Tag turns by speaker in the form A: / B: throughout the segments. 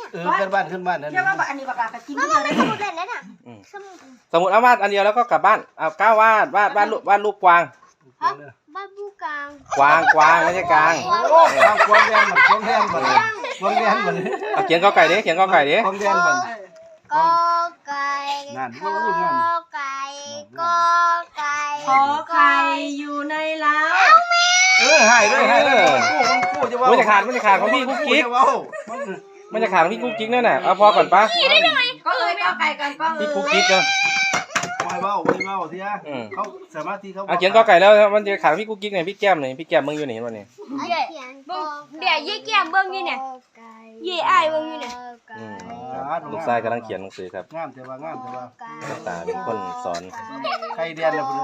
A: ขึ้นบ้านนั่น
B: เชื่อว่าอันนี้บอกกับกิน
C: มันไม่สมุดเลยนะน่ะสมุด
D: เอาวาดอันเดียวแล้วก็กลับบ้านเอาก้าววาดลูกกวาง
C: บ้านบูกลาง
D: กวางไม่ใช่กลาง
A: โอ้กวางแดงมันกวางแดงมันกวางแดงมัน
D: เอาเขียนกอไก่ดิ
A: กวางแดงมัน
C: กอไก่ขอไก่กอไก่
B: ขอไข่อยู่ในเล้า
A: หายเลยคู่จะว่า
D: มันจะขาดของพี่กุ๊กกิ๊กมันจะขาดของพี่กุ๊กกิ๊กนั่นน่ะเอาพอก่อนปะ
B: ก็เลยไม่เอาไก่กันก็
D: พี่กุ๊กกิ๊กเนาะ
A: ไม่เบาเสียเขาสามารถที่เขา
D: เอาเขียนกอไก่แล้วมันจะขาดพี่กุ๊กกิ๊กเนี่ยพี่แก้มเนี่ยพี่แก้มมึงอยู่ไหนวะเนี่ย
C: เดี๋ยวยี่แก้มเบิ้งนี่เนี่ยยี่ไอเบิ้งนี่เนี่ย
D: ลูกชายกำลังเขียนหนังสือครับ
A: งามแต่ว่า
D: ตาเป็นคนสอน
A: ใครเรียนแล้วเพื่อน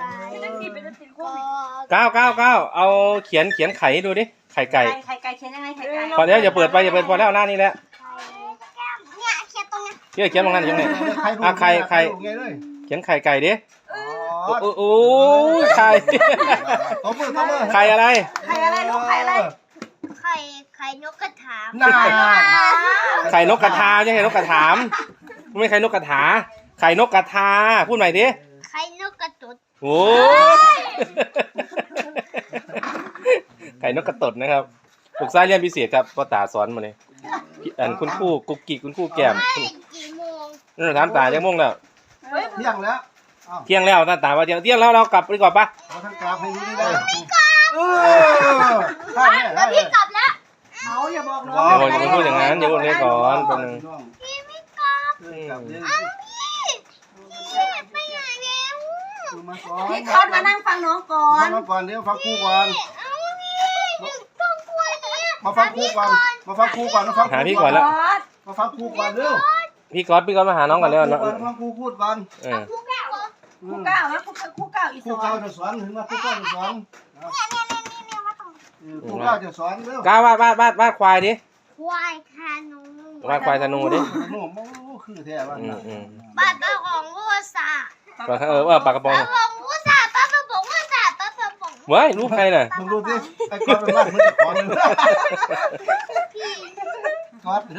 D: ก้าวเอาเขียนไข่ให้ดูดิไข่ไก่
B: ไข่ไก่เขียนยังไงไข่ไก่
D: พอแล้วอย่าเปิดพอแล้วหน้านี้แหละ
C: เนี่ยเขียนตรงนี้
D: เขียนตรงนั้นยังไงเขียนไข่ไก่ดิโอ้ไข่ไข่อะไร
B: ไข่อะไรลูกไข่อะไร
C: ไข่นกกระถา
D: ไข่นกกระทาไม่ใช่ไข่นกกระถามไม่ไข่นกกระถาไข่นกกระทาพูดใหม่ดิ
C: ไข่นกกระตุด
D: โอ้ไข่นกกระตดนะครับลูกชายเรียนพิเศษครับพ่อตาสอนมาเลยคุณครูกุ๊กกิ๊กคุณครูแก้ม
C: กี่โมง
D: นั่นถามตาจะม่วงแล้ว
A: เที่ยงแล้ว
D: เที่ยงแล้วตาว่าเที่ยงแล้วเรากลับดีกว่าปะ
A: เราทั้งกราฟให้ดูนี่เลย
C: แล้วพี่กลับแล้ว
B: เขาอย่าบอกน้
D: อย่าพูดอย่างนั้นอย่าพูดเลยก่อนเป็น
C: พี่ไม่กลับพี่ไปไหนแล้ว
B: พี่คอนมานั่งฟังน้องก่อน
A: มาก่อนเดี๋ยวฟังครูก่อน
C: เอาพี่ต้องกลัวเนี่ย
A: มาฟังครูก่อนมาฟังครูก่อน
D: หาพี่ก่อนแล้ว
A: มาฟังครูก่อนเร็ว
D: พี่ก๊อตมาหาน้องก่อนเร็ว
A: ฟังครูพูดก่อน
C: ครูแก้ว
B: คู่เก้านะคู่เก้าอี
A: ครู
B: สอ
A: เก้าน จะสอนถึงมาครูเก้าจะสอน
C: เนี่ยมาตรง
A: ครูเก้าจะสอนเร็ว
D: ก้าววาดควายดิ
C: ควายคานู
D: วาดควายธนูดิ
A: โน้มคือแท้ว่า
C: ป้าป้าของวัวสา
D: ปากกระป๋อง
C: ป้าของวัวสาป้าป้าบอกวัวสาป้าป้าบอก
D: เว้ยลูกใครน่ะ
A: มึงดูสิไอ้ก๊อตเป็นบ้านมึงจะขอหนึ่ง
C: พี่
A: ก๊อต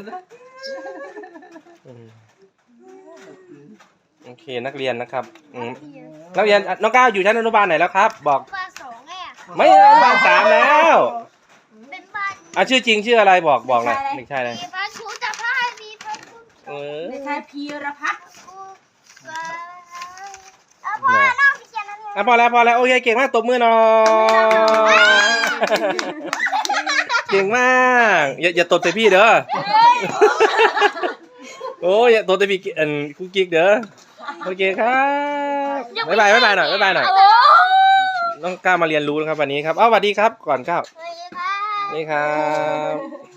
D: โอเคนักเรียนนะครับนักเรียนน้องก้าวอยู่ชั้นอนุบาลไหนแล้วครับบอก
C: ป้าสองไง
D: ไม่อนุบาล3แล้ว
C: เป็นบ้าน
D: ชื่อจริงชื่ออะไรบอกหน่อยเด็กชายอะไร
C: มีพระชูจะพามีพระชู
B: เด็กชายพีรพัฒน์
C: พ่อน้องพี่เขียนอะไร
D: พอแล้วโอเคเก่งมากตบมือหน่อยเก่งมากอย่าตบแต่พี่เด้อโอ้ยอย่าตบแต่พี่คุกกิ๊กเด้อโอเคครับบ๊ายบายหน่อยต้องกล้ามาเรียนรู้นะครับวันนี้ครับสวัสดีครับก่อนก้าว
C: สวัสดีครับ
D: นี่ครับ